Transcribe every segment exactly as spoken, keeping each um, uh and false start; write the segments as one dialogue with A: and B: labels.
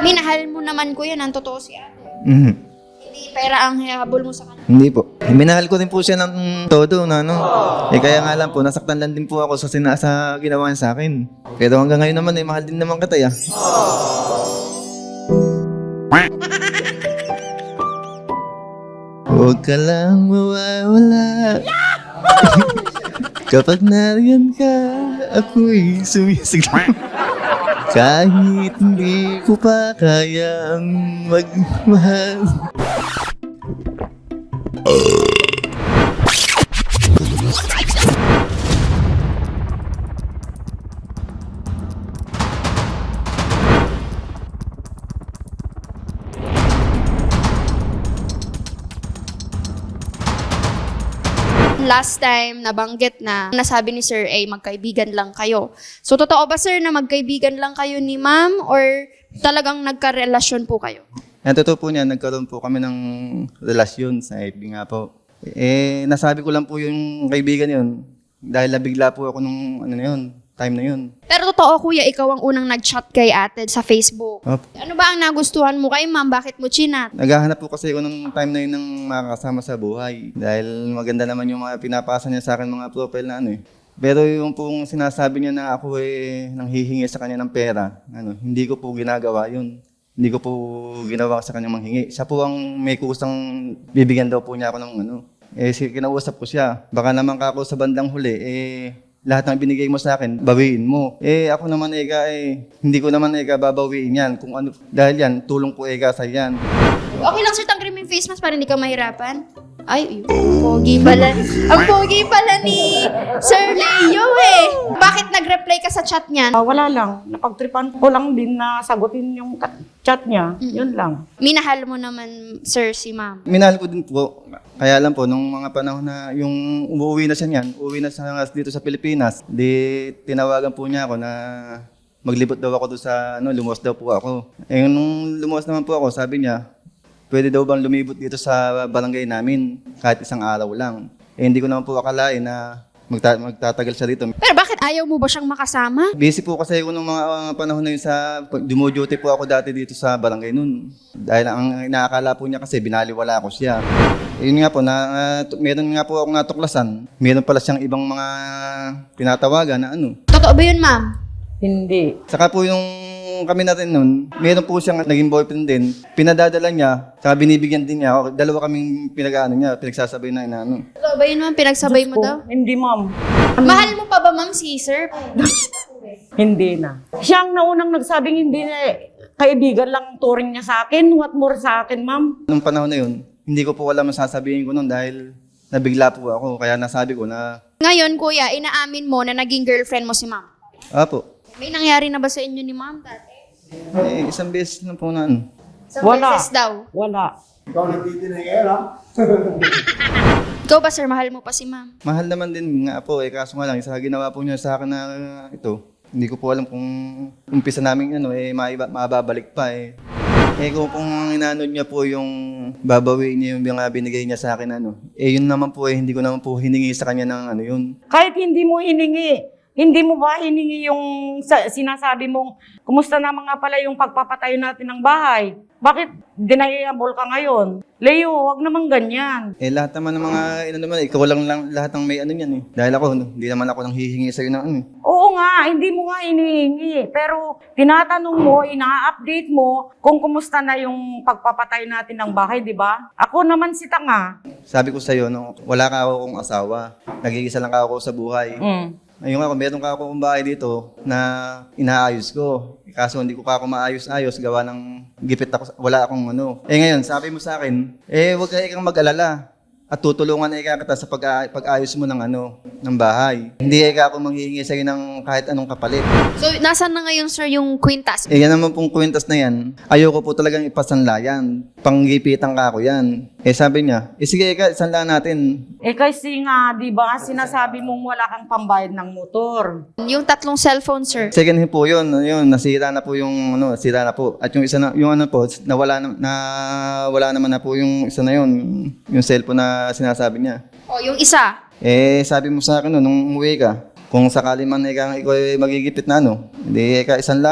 A: Minahal mo naman kuya ng totoo si ate.
B: Mhm.
A: Hindi pera ang hihabol mo sa kanya.
B: Hindi po. Minahal ko din po siya ng todo na ano. Eh kaya nga lang po, nasaktan lang din po ako sa, sina sa ginawa niya sa akin. Pero hanggang ngayon naman eh, mahal din naman kita ya. Huwag ka lang mawawala. Kapag nariyan ka, ako'y sumisigla. Kahit hindi ko pa kayang magmahal.
A: Last time, nabanggit na nasabi ni Sir A, magkaibigan lang kayo. So, totoo ba sir na magkaibigan lang kayo ni ma'am or talagang nagkarelasyon po kayo?
B: Ang totoo po niya, nagkaroon po kami ng relasyon sa F B nga po. Eh, nasabi ko lang po yung kaibigan yun. Dahil nabigla po ako nung ano na yun, time na yun.
A: Pero totoo kuya, ikaw ang unang nag-chat kay ate sa Facebook.
B: Opo.
A: Ano ba ang nagustuhan mo kay ma'am? Bakit mo chinat?
B: Naghahanap po kasi ako ng time na yun ng makakasama sa buhay. Dahil maganda naman yung mga pinapasa niya sa akin mga profile na ano eh. Pero yung pong sinasabi niya na ako eh nanghihingi sa kanya ng pera, ano, hindi ko po ginagawa yun. Hindi ko po ginawa sa kanya manghingi. Siya po ang may kusang bibigyan daw po niya ako ng ano. Eh, kinausap ko siya. Baka naman kako sa bandang huli, eh, lahat ng binigay mo sa akin, bawiin mo. Eh, ako naman, Eka, eh, hindi ko naman, Eka, babawiin yan. Kung ano, dahil yan, tulong ko, Eka, sa yan.
A: Okay lang sir, tanggalin mo yung face mask para hindi ka mahirapan. Ay, ang pogi pala. Ang pogi pala ni Sir Leo eh. Bakit nag-reply ka sa chat niyan?
C: Ah, wala lang. Napagtripan ko lang din na sagutin yung ka- chat niya. Yun lang.
A: Minahal mo naman, sir, si ma'am.
B: Minahal ko din po. Kaya lang po, nung mga panahon na yung umuwi na siya niyan, umuwi na siya dito sa Pilipinas, di tinawagan po niya ako na maglibot daw ako doon sa, ano, lumuwas daw po ako. Eh, nung lumuwas naman po ako, sabi niya, pwede daw bang lumibot dito sa barangay namin kahit isang araw lang. Eh, hindi ko naman po akalain na magta- magtatagal siya dito.
A: Pero bakit ayaw mo ba siyang makasama?
B: Busy po kasi ako nung mga uh, panahon na yun sa, dumo-duty po ako dati dito sa barangay nun. Dahil ang inaakala po niya kasi binaliwala ako siya. Yun nga po, na, uh, t- meron nga po akong natuklasan. Meron pala siyang ibang mga pinatawagan na ano.
A: Totoo ba yun, ma'am?
C: Hindi.
B: Saka po yung kami natin nun, meron po siyang naging boyfriend din. Pinadadala niya, saka binibigyan din niya. ako. Dalawa kaming pinag-ano niya, pinagsasabay na inaano.
A: Totoo ba yun, ma'am? Pinagsabay mo
C: Diyos ko,
A: daw?
C: Hindi, ma'am.
A: Mahal mo pa ba, ma'am, si sir?
C: Hindi na. Siya ang naunang nagsabing hindi na eh, kaibigan lang turing niya sa akin. What more sa akin, ma'am?
B: Nung panahon na yun, hindi ko po alam ang sasabihin ko nun dahil nabigla po ako. Kaya nasabi ko na,
A: Ngayon, kuya, inaamin mo na naging girlfriend mo si ma'am.
B: apo,
A: May nangyari na ba sa inyo ni ma'am dati?
B: eh, isang beses na po na ano.
A: Sa
C: Wala.
A: beses daw.
C: Wala.
A: Ikaw ba, sir, mahal mo pa si ma'am?
B: Mahal naman din nga po eh, kaso nga lang, isa ginawa po niya sa akin na uh, ito. Hindi ko po alam kung umpisa namin ano, eh, maiba, mababalik pa eh. Eh kung, kung inanod niya po yung babawiin niya yung mga binigay niya sa akin ano, eh yun naman po eh, hindi ko naman po hiningi sa kanya ng ano yun.
C: Kahit hindi mo hiningi, hindi mo ba hiningi yung sa, sinasabi mong, kumusta na mga pala yung pagpapatayo natin ng bahay? Bakit deniable ka ngayon? Leo, wag naman ganyan.
B: Eh lahat naman ng mga, ano naman, ikaw lang, lang lahat ng may ano yan eh. Dahil ako, hindi naman ako nang hihingi sa'yo ng ano eh.
C: Oo nga, hindi mo nga hinihingi. Pero tinatanong mo, ina-update mo kung kumusta na yung pagpapatayo natin ng bahay, di ba? Ako naman si tanga.
B: Sabi ko sa'yo, no, wala ka akong asawa. Nag-iisa lang ako sa buhay.
C: Mm.
B: Ayun ako, meron ka akong bahay dito na inaayos ko. Kaso hindi ko pa ako maayos-ayos, gawa ng gipit ako, wala akong ano. Eh ngayon, sabi mo sa akin, eh huwag ka ikang mag-alala. At tutulungan na ika kita sa pag- pag-ayos mo ng ano, ng bahay. Hindi ika ako manghihingi sa'yo ng kahit anong kapalit.
A: So, nasaan na ngayon, sir, yung kwintas?
B: Eh yan naman pong kwintas na yan, ayoko po talagang ipasanla yan. Panggipitan ka ako yan. Eh sabi niya, eh sige ika, isanla natin.
C: Eh kasi nga, di ba, sinasabi mong wala kang pambayad ng motor.
A: Yung tatlong cellphone, sir.
B: Second hand po yun, yun, nasira na po yung, ano, nasira na po. At yung isa na, yung ano po, nawala na, na wala naman na po yung isa na yun, yung cellphone na sinasabi niya.
A: O, yung isa.
B: Eh, sabi mo sa akin no, nung umuwi ka, kung sakali man ikaw, ikaw ay magigipit na ano, hindi ka isang lamo.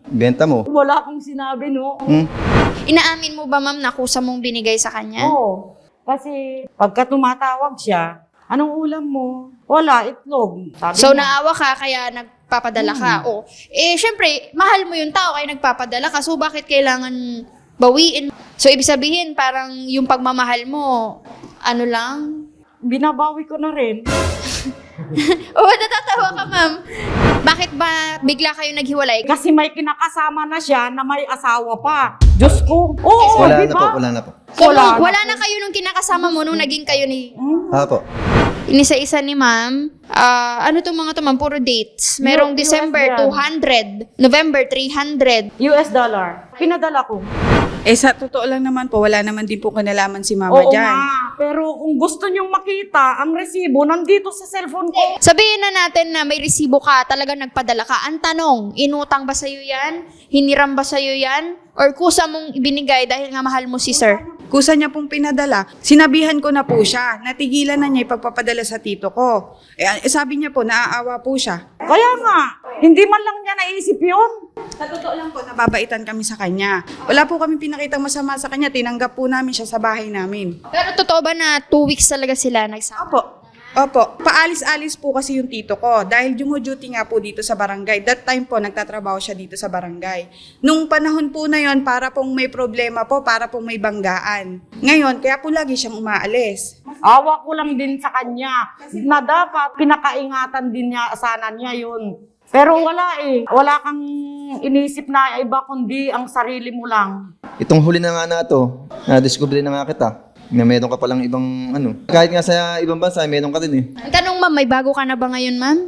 B: Benta mo.
C: Wala akong sinabi, no?
B: Hmm?
A: Inaamin mo ba, ma'am, na kusa mong binigay sa kanya?
C: Oo. Kasi pagka tumatawag siya, anong ulam mo? Wala, itlog. Sabi
A: So,
C: niya.
A: naawa ka, kaya nagpapadala ka. O, eh, syempre, mahal mo yung tao, kaya nagpapadala ka. So, bakit kailangan bawiin? So, ibig sabihin, parang yung pagmamahal mo, ano lang?
C: Binabawi ko na rin.
A: Oo, natatawa ka, ma'am. Bakit ba bigla kayo naghiwalay?
C: Kasi may kinakasama na siya na may asawa pa. Diyos ko. Oo,
B: Wala
C: di
B: na po,
C: ba?
B: wala na po.
A: So,
C: Wala
A: nung- wala
C: na
A: na kayo nung kinakasama mo nung naging kayo ni...
C: Hmm?
B: Apo.
A: Inisa-isa ni ma'am. Ah, ano itong mga to, ma'am? Puro dates. Merong
C: U S
A: December
C: yan.
A: two hundred, November three hundred.
C: U S dollar. Pinadala ko.
D: Eh sa totoo lang naman po, wala naman din po kinalaman si mama
C: Oo
D: dyan.
C: nga. Pero kung gusto niyong makita, ang resibo nandito sa cellphone ko.
A: Sabihin na natin na may resibo ka, talaga nagpadala ka. Ang tanong, inutang ba sa'yo yan? Hiniram ba sa'yo yan? Or kusa mong ibinigay dahil nga mahal mo si sir?
D: Kusa niya pong pinadala. Sinabihan ko na po siya. Natigilan na niya ipagpapadala sa tito ko. Eh, eh, sabi niya po, naaawa po siya.
C: Kaya nga, hindi man lang niya naisip yun.
D: Sa totoo lang po, nababaitan kami sa kanya. Wala po kami pinakitang masama sa kanya. Tinanggap po namin siya sa bahay namin.
A: Pero totoo ba na two weeks talaga sila nagsama?
D: Opo. Opo. Paalis-alis po kasi yung tito ko. Dahil duty nga po dito sa barangay. That time po, nagtatrabaho siya dito sa barangay. Nung panahon po na yon, para pong may problema po, para pong may banggaan. Ngayon, kaya po lagi siyang umaalis.
C: Awa ko lang din sa kanya na dapat pinakaingatan din niya, sana niya yun. Pero wala eh. Wala kang inisip na iba kundi ang sarili mo lang.
B: Itong huli na nga na to, na-discover na nga kita. Na meron ka palang ibang ano. Kahit nga sa ibang bansa, meron ka din eh.
A: Ang tanong, ma'am, may bago ka na ba ngayon, ma'am?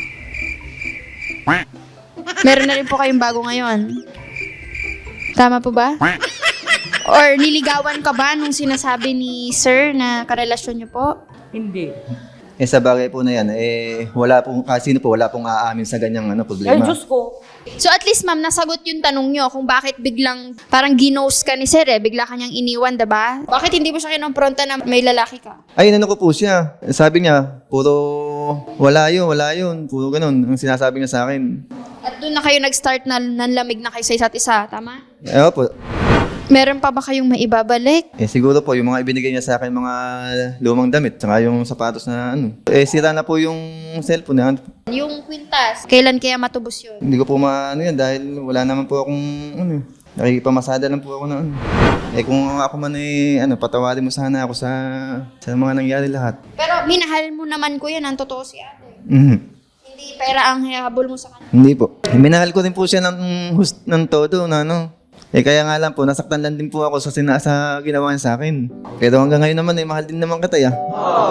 A: Meron na rin po kayong bago ngayon. Tama po ba? Or niligawan ka ba nung sinasabi ni sir na karelasyon niyo po?
C: Hindi.
B: Eh sa bagay po na yan, eh wala pong, kasi sino po, wala pong aamin sa ganyang ano,
C: Ay,
B: problema.
C: Diyos ko.
A: So at least, ma'am, nasagot yung tanong niyo kung bakit biglang parang ginost ka ni sir eh. Bigla kanyang iniwan, diba? Bakit hindi mo siya kinompronta na may lalaki ka?
B: Ay, ano ko po siya. Sabi niya, puro wala yun, wala yun. Puro ganun ang sinasabi niya sa akin.
A: At doon na kayo nag-start na nanlamig na kayo sa isa't isa, tama?
B: Eh po.
A: Meron pa ba kayong maibabalik?
B: Eh siguro po, yung mga ibinigay niya sa akin, mga lumang damit, saka yung sapatos na ano. Eh sira na po yung cellphone na.
A: Yung kwintas, kailan kaya matubos yun?
B: Hindi ko po maano yan dahil wala naman po akong ano eh. Nakikipamasada lang po ako na ano. Eh kung ako man eh, ano, patawarin mo sana ako sa, sa mga nangyari lahat.
A: Pero minahal mo naman ko yan, ang totoo si ate.
B: Mhm.
A: Hindi pera ang habol mo sa kanya.
B: Hindi po. Eh, minahal ko din po siya ng, hus- ng todo na ano. Eh kaya nga lang po, nasaktan lang din po ako sa, sina- sa ginawa niya sa akin. Pero hanggang ngayon naman eh, mahal din naman kita ya.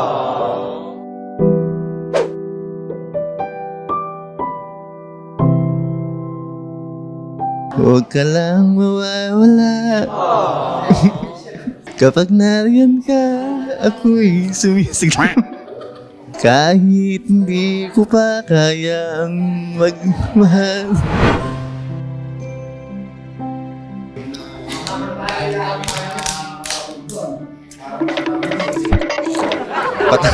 B: Huwag ka lang mawawala. Kapag nariyan ka, ako'y sumisigla. Kahit hindi ko pa kayang magmahal. Pat-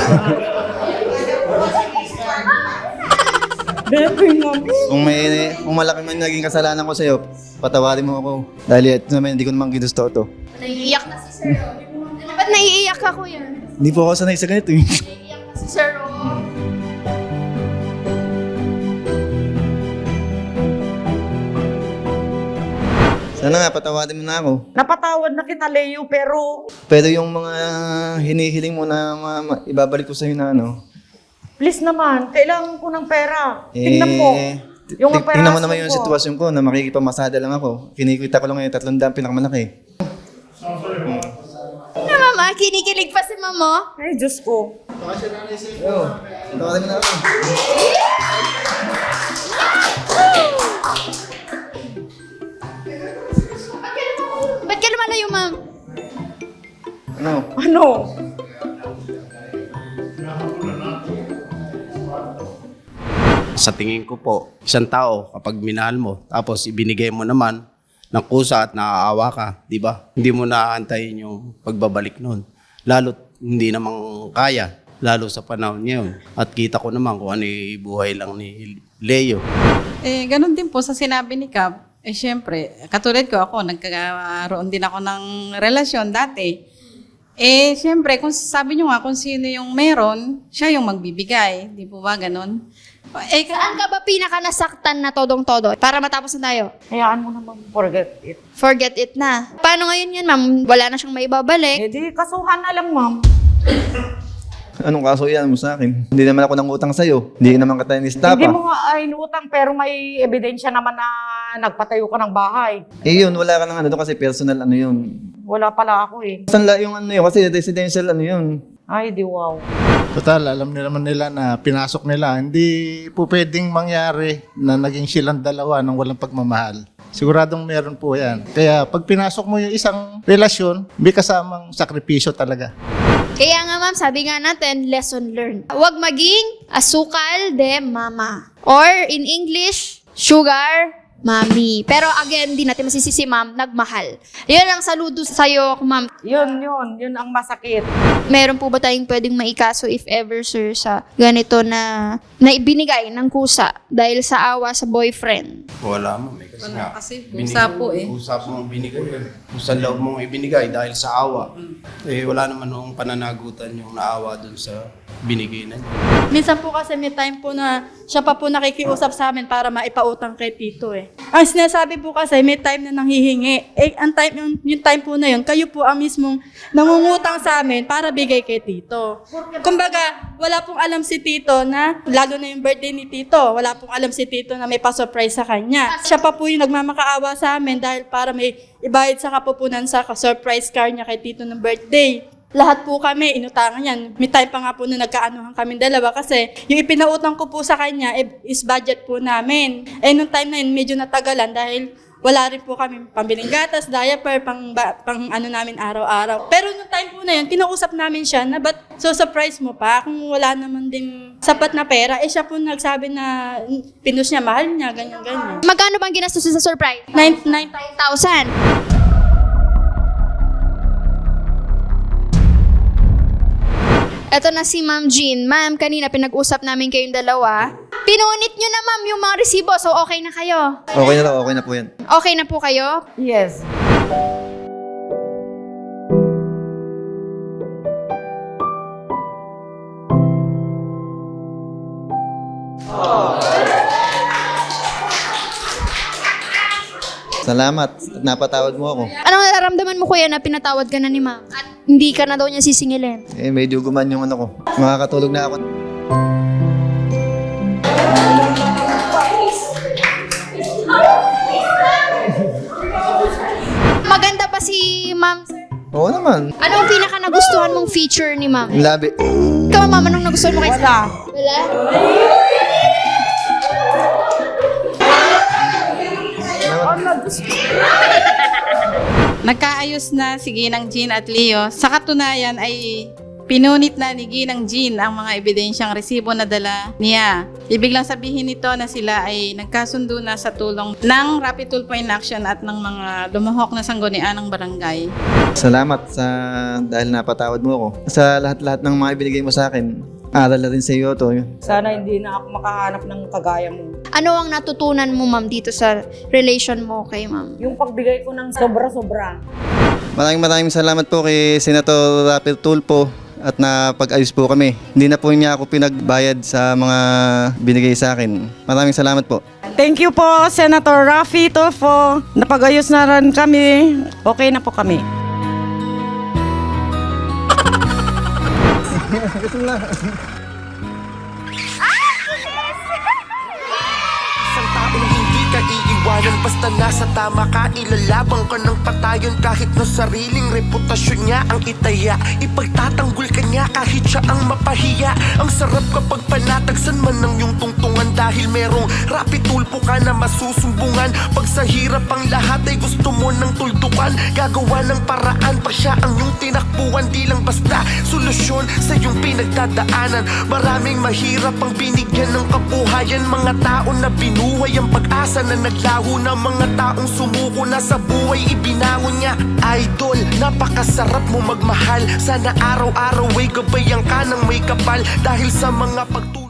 C: Bebe naman.
B: kung may kung malaki man naging kasalanan ko sa'yo, patawarin mo ako. Dahil ito naman, hindi ko naman ginusto ito.
A: Naiiyak na si sir. Oh. Ba't naiiyak ka, kuya?
B: Hindi po ako sanay sa ganito eh.
A: Naiiyak na si sir. Oh.
B: Sana nga, patawarin mo na ako.
C: Napatawad na kita, Leo, pero
B: Pero yung mga hinihiling mo na ma- ma- ibabalik ko sa'yo na ano,
C: please naman, kailangan ko ng pera.
B: eh,
C: Tingnan mo.
B: t-
C: Yung
B: t- tingnan mo naman
C: operasyon
B: yung
C: ko.
B: sitwasyon ko na makikipamasada lang ako. Kinikita ko lang ngayon, tatlong daan pinakamalaki.
A: Na mama, kinikilig pa si mama.
C: Ay, Diyos ko.
B: Yo, patawarin mo na ako.
A: Ba't ka lumalayo, ma'am?
B: Ano?
C: Ano?
E: Sa tingin ko po, isang tao kapag minahal mo, tapos ibinigay mo naman ng kusa at naaawa ka, di ba? Hindi mo naaantayin yung pagbabalik nun. Lalo't hindi namang kaya, lalo sa panahon ngayon. At kita ko naman kung ano yung buhay lang ni Leo.
F: Eh, ganun din po sa sinabi ni Cap. Eh, syempre, katulad ko ako, nagkaroon din ako ng relasyon dati. Eh, syempre, kung sabi nyo nga kung sino yung meron, siya yung magbibigay. Di po ba ganon? Eh, ka-
A: Saan ka ba pinaka nasaktan na todong-todo? Para matapos na tayo.
C: Hayaan mo naman forget it.
A: Forget it na. Paano ngayon yan, ma'am? Wala na siyang maibabalik.
C: Eh di, kasuhan na lang, ma'am.
B: Anong kaso yan mo sa akin? Hindi naman ako nang utang sa'yo. Hindi naman ka tayo nistapa.
C: Hindi mo nga ay inutang pero may ebidensya naman na nagpatayo ka ng bahay.
B: Eh yun, wala ka nang ano doon kasi personal ano yun.
C: Wala pala ako eh.
B: Saan la yung ano yun? Kasi residential ano yun.
C: Ay, di wow.
G: Total, alam nila naman nila na pinasok nila. Hindi po pwedeng mangyari na naging silang dalawa ng walang pagmamahal. Siguradong meron po yan. Kaya pag pinasok mo yung isang relasyon, may kasamang sakripisyo talaga.
A: Kaya nga ma'am, sabi nga natin, lesson learned. Huwag maging asukal de mama. Or in English, sugar mommy. Pero again, di natin masisisi ma'am, nagmahal. Yun ang saludo sa'yo, ma'am.
C: Yun, yun. Yun ang masakit.
A: Meron po ba tayong pwedeng maikaso if ever, sir, sa ganito na na ibinigay ng kusa dahil sa awa sa boyfriend?
E: Wala mo. May kasi
F: Wala
E: nga.
F: kasi,
E: binigay-
F: kusa po eh.
E: Kusa po mong binigay. Kung sa loob mong ibinigay dahil sa awa. Eh, wala naman nung pananagutan yung naawa dun sa binigay na niya.
H: Minsan po kasi may time po na siya pa po nakikiusap sa amin para maipautang kay Tito eh. Ang sinasabi po kasi may time na nanghihingi. Eh, ang time, yung, yung time po na yun, kayo po ang mismong nangungutang sa amin para bigay kay Tito. Kumbaga, wala pong alam si Tito na, lalo na yung birthday ni Tito, wala pong alam si Tito na may pa-surprise sa kanya. Siya pa po yung nagmamakaawa sa amin dahil para may ibayad sa kapupunan sa surprise car niya kay Tito ng birthday. Lahat po kami, inutangan yan. May time pa nga po na nagkaanuhan kami dalawa kasi yung ipinautang ko po sa kanya eh, is budget po namin. Eh, nung time na yun, medyo natagalan dahil wala rin po kami pambiling gatas, diaper, pang, ba- pang ano namin araw-araw. Pero nung time po na yun, kinausap namin siya na ba't so surprise mo pa kung wala naman din sapat na pera. Eh, siya po nagsabi na mm, pinus niya, mahal niya, ganyan-ganyan.
A: Magkano bang ginastos sa surprise?
H: Nine, nine,
A: nine thousand. Ito na si Ma'am Jean. Ma'am, kanina pinag-usap namin kayong dalawa. Pinunit nyo na ma'am yung mga resibo, so okay na kayo.
B: Okay na lang, okay na po yan.
A: Okay na po kayo?
C: Yes.
B: Salamat. Napatawad mo ako.
A: Anong nararamdaman mo kuya na pinatawad ka na ni ma'am? At hindi ka na daw niya sisingilin?
B: Eh, medyo guman yung ano ko. Makakatulog na ako.
A: Maganda ba si ma'am?
B: Oo naman.
A: Anong pinaka nagustuhan mong feature ni ma'am?
B: Yung labi.
A: Ikaw ma'am, anong nagustuhan mo kay
C: Wala.
A: Wala?
F: Nagkaayos na si Ginang Jean at Leo. Sa katunayan ay pinunit na ni Ginang Jean ang mga ebidensyang resibo na dala niya. Ibig lang sabihin nito na sila ay nagkasundo na sa tulong ng Rapid Tulpo in Action at ng mga lumuhok na sanggunian ng barangay.
B: Salamat sa dahil napatawad mo ako. Sa lahat-lahat ng mga ibinigay mo sa akin, aral na rin sa iyo to.
C: Sana hindi na ako makahanap ng kagaya mo.
A: Ano ang natutunan mo ma'am dito sa relation mo kay ma'am?
C: Yung pagbigay ko ng sobra-sobra.
B: Maraming maraming salamat po kay Senator Rapid Tulpo at napag-ayos po kami. Hindi na po niya ako pinagbayad sa mga binigay sa akin. Maraming salamat po.
C: Thank you po, Senator Raffy Tulfo. Napag-ayos na rin kami. Okay na po kami.
I: Isang taong hindi ka iiwanan basta nasa tama ka. Ilalabang ka ng patayon kahit na sariling reputasyon niya ang itaya. Ipagtatanggol ka niya kahit siya ang mapahiya. Ang sarap kapag panatagsan man ng iyong tungtungan dahil merong Rapid Tulpo ka na masusumbungan. Pag sa hirap ang lahat ay gusto mo ng tuldukan, gagawa ng paraan pag siya ang iyong tinakbuhan. Di lang basta solusyon sa iyong pinagdadaanan. Maraming mahirap ang binigyan ng kabuhayan. Mga tao na binuhay ang pag-asa na naglaho na. Mga taong sumuko na sa buhay ibinangon niya. Idol, napakasarap mo magmahal. Sana araw-araw ay gabayan ka ng may kapal dahil sa mga pagtulong.